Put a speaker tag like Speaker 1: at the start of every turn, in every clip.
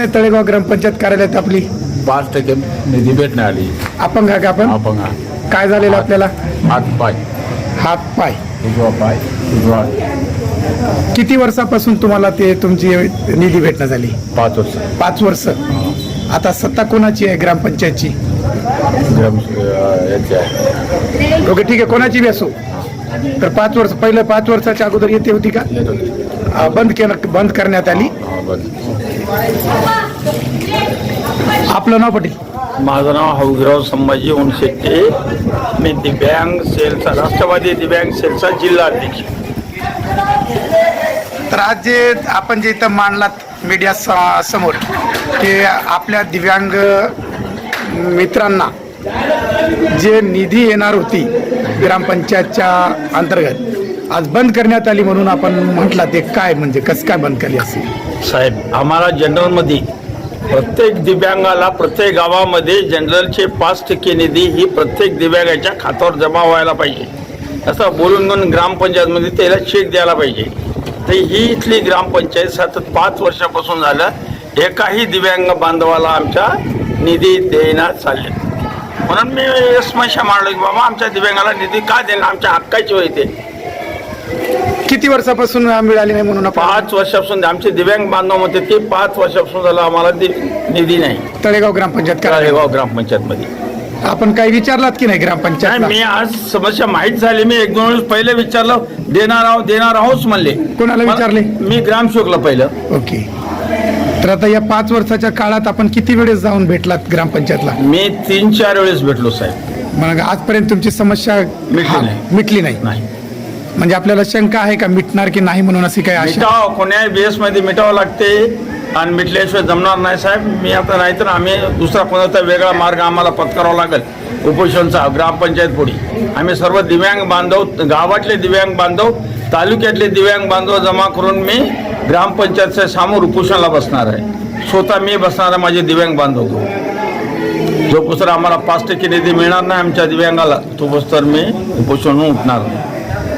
Speaker 1: आहे तळेगाव ग्रामपंचायत कार्यालयात आपली?
Speaker 2: 5% निधी भेटणार आली.
Speaker 1: अपंग आहे का आपण?
Speaker 2: अपंग.
Speaker 1: काय झालेलं आपल्याला?
Speaker 2: हात पाय.
Speaker 1: हात पाय.
Speaker 2: उजवा पाय उजवा.
Speaker 1: किती वर्षापासून तुम्हाला ते तुमची निधी भेटणं झाली?
Speaker 2: 5 वर्ष.
Speaker 1: 5 वर्ष. आता सत्ता कोणाची आहे ग्रामपंचायतची?
Speaker 2: याची आहे.
Speaker 1: ओके, ठीक आहे, कोणाची बी असो. तर 5 वर्ष पहिलं 5 वर्षाच्या अगोदर येते होती का?
Speaker 2: येत होती.
Speaker 1: बंद करण्यात आली. आपलं नाव पटेल?
Speaker 3: माझं नाव हौगराव संभाजी ओणशेट्टे. मी दिव्यांग सेलचा, राष्ट्रवादी दिव्यांग सेलचा जिल्हा अध्यक्ष.
Speaker 1: तर आज जे आपण जे इथं मांडलात मीडिया समोर की आपल्या दिव्यांग मित्रांना जे निधी येणार होती ग्रामपंचायतच्या अंतर्गत आज बंद करण्यात आली म्हणून आपण म्हटलं, ते काय म्हणजे कसं काय बंद केली असेल?
Speaker 3: साहेब, आम्हाला जनरलमध्ये प्रत्येक दिव्यांगाला प्रत्येक गावामध्ये जनरलचे 5% निधी ही प्रत्येक दिव्यांगाच्या खात्यावर जमा व्हायला पाहिजे असं बोलून घेऊन ग्रामपंचायतमध्ये त्याला चेक द्यायला पाहिजे. तर ही इथली ग्रामपंचायत सतत 5 वर्षापासून झालं एकाही दिव्यांग बांधवाला आमच्या निधी देण्यात चालले. म्हणून मी समस्या मांडलो की बाबा आमच्या दिव्यांगाला निधी का देणं, आमच्या हक्काची होय ते.
Speaker 1: किती वर्षापासून मिळाली नाही म्हणून?
Speaker 3: 5 वर्षापासून आमचे दिव्यांग बांधव म्हणते ते 5 वर्षापासून झालं आम्हाला निधी नाही.
Speaker 1: तळेगाव ग्रामपंचायत
Speaker 3: तळेगाव ग्रामपंचायतमध्ये
Speaker 1: आपण काही विचारलात की नाही ग्रामपंचायत?
Speaker 3: मी आज समस्या माहीत झाली, मी 1-2 वेळेस पहिले विचारलं, देणार आहोत म्हणले.
Speaker 1: कोणाला विचारले?
Speaker 3: मी ग्रामसेवकला पहिलं.
Speaker 1: ओके. तर आता या 5 वर्षाच्या काळात आपण किती वेळेस जाऊन भेटलात ग्रामपंचायतला?
Speaker 3: मी 3-4 वेळेस भेटलो साहेब.
Speaker 1: मग आजपर्यंत तुमची समस्या मिटली नाही? म्हणजे आपल्याला शंका आहे का मिटणार की नाही म्हणून? अशी काय आशा?
Speaker 3: मिटाव कोण्याही बेस मध्ये मिटावं लागते आणि मिटल्याशिवाय जमणार नाही साहेब. मी आता नाहीतर आम्ही दुसरा कोणता वेगळा मार्ग आम्हाला पत्करावा लागेल उपोषणचा ग्रामपंचायत पुढे. आम्ही सर्व दिव्यांग बांधव, गावातले दिव्यांग बांधव, तालुक्यातले दिव्यांग बांधव जमा करून मी ग्रामपंचायतच्या समोर उपोषणाला बसणार आहे. स्वतः मी बसणार आहे माझे दिव्यांग बांधव. जो पुस्तक आम्हाला 5% निधी मिळणार नाही आमच्या दिव्यांगाला, तो पुस्तक मी उपोषण उठणार नाही.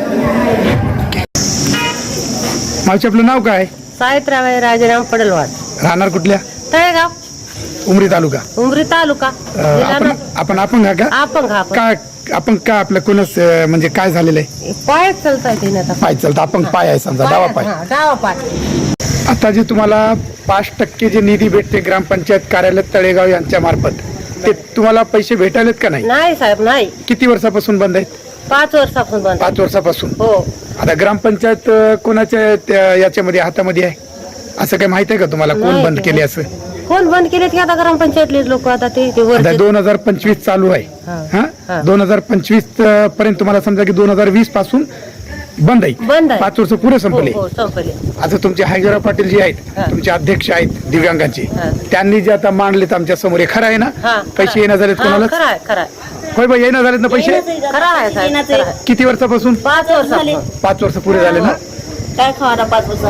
Speaker 1: मावशी, आपलं नाव काय?
Speaker 4: सावित्राबाई राजाराम पडलवाड.
Speaker 1: राहणार कुठल्या?
Speaker 4: तळेगाव,
Speaker 1: उमरी तालुका.
Speaker 4: उमरी तालुका.
Speaker 1: आपण अपंग आहे का?
Speaker 4: अपंग.
Speaker 1: काय आपण का आपल्या कोणच म्हणजे काय झालेलं आहे?
Speaker 4: पाय चालतात.
Speaker 1: पाय चालतं. अपंग पाय आहे समजा, डावा पाय.
Speaker 4: डावा पाय.
Speaker 1: आता जे तुम्हाला 5% जे निधी भेटते ग्रामपंचायत कार्यालय तळेगाव यांच्या मार्फत, ते तुम्हाला पैसे भेटायलेत का नाही?
Speaker 4: नाही साहेब, नाही.
Speaker 1: किती वर्षापासून बंद आहेत?
Speaker 4: 5 वर्षापासून बंद.
Speaker 1: 5 वर्षापासून.
Speaker 4: हो.
Speaker 1: आता ग्रामपंचायत कोणाच्या याच्यामध्ये हातामध्ये आहे असं काय माहित आहे का तुम्हाला? कोण बंद केले असं?
Speaker 4: कोण बंद केले की आता ग्रामपंचायतले लोक आता ते
Speaker 1: 2025 चालू आहे.
Speaker 4: हा.
Speaker 1: 2025 पर्यंत तुम्हाला समजा की 2020 पासून बंद आहे. 5 वर्ष पुरे संपले.
Speaker 4: संपले.
Speaker 1: आता तुमचे हौगराव पाटील जे आहेत, तुमचे अध्यक्ष आहेत दिव्यांगांचे, त्यांनी जे आता मांडलेत आमच्या समोर, हे खरं आहे ना? पैसे येणं झालेत कोणाला?
Speaker 4: खरं.
Speaker 1: होय बाई, येणं झालेत ना पैसे?
Speaker 4: खरं आहे साहेब.
Speaker 1: किती वर्षापासून?
Speaker 4: 5 वर्ष.
Speaker 1: 5 वर्ष पुरे झाले ना?
Speaker 4: काय खावा 5 वर्ष?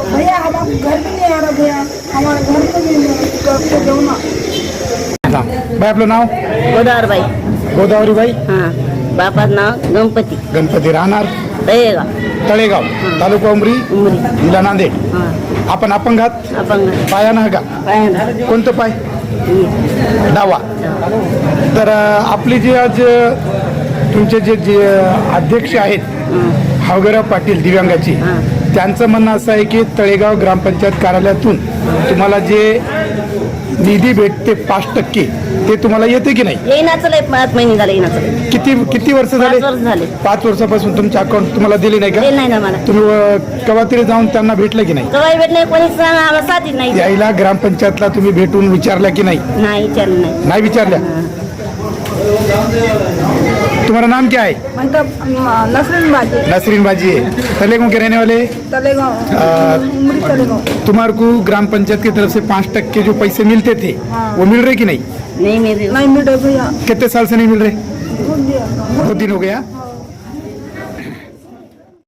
Speaker 1: बाई, आपलं नाव?
Speaker 4: गोदावरीबाई.
Speaker 1: गोदावरीबाई.
Speaker 4: बापाचं नाव गणपती.
Speaker 1: गणपती. राहणार तळेगाव, तालुका उमरी, जिल्हा नांदेड. आपण अपंगात?
Speaker 4: अपंग.
Speaker 1: पायानं का? कोणतं पाय? डावा. तर आपले जे आज तुमचे जे अध्यक्ष आहेत हौगराव पाटील दिव्यांगाची, त्यांचं म्हणणं असं आहे की तळेगाव ग्रामपंचायत कार्यालयातून तुम्हाला जे निधी भेटते 5% ते तुम्हाला येते की नाही?
Speaker 4: येण्याचं 5 महिने झाले. येण्याचं
Speaker 1: किती वर्ष झाले?
Speaker 4: 5 वर्ष झाले.
Speaker 1: 5 वर्षापासून तुमच्या अकाउंट तुम्हाला दिले नाही का?
Speaker 4: नाही ना मला.
Speaker 1: तुम्ही केव्हा तरी जाऊन त्यांना भेटलं की नाही?
Speaker 4: कवाई भेट नाही, कोणीच आम्हाला साथीच नाही.
Speaker 1: यायला ग्रामपंचायतला तुम्ही भेटून विचारल्या की नहीं?
Speaker 4: नहीं विचारलं नाही.
Speaker 1: नहीं विचारल्या? तुम्हारा नाम क्या है?
Speaker 5: नसरीन बाजी।
Speaker 1: नसरीन बाजी है। तलेगांव के रहने वाले?
Speaker 5: तलेगांव।
Speaker 1: तुम्हारे को ग्राम पंचायत की तरफ से 5% जो पैसे मिलते थे वो मिल रहे कि नहीं?
Speaker 4: नहीं मिल रहे।
Speaker 5: नहीं मिल रहे भैया।
Speaker 1: कितने साल से नहीं मिल रहे? 2 दिन हो गया।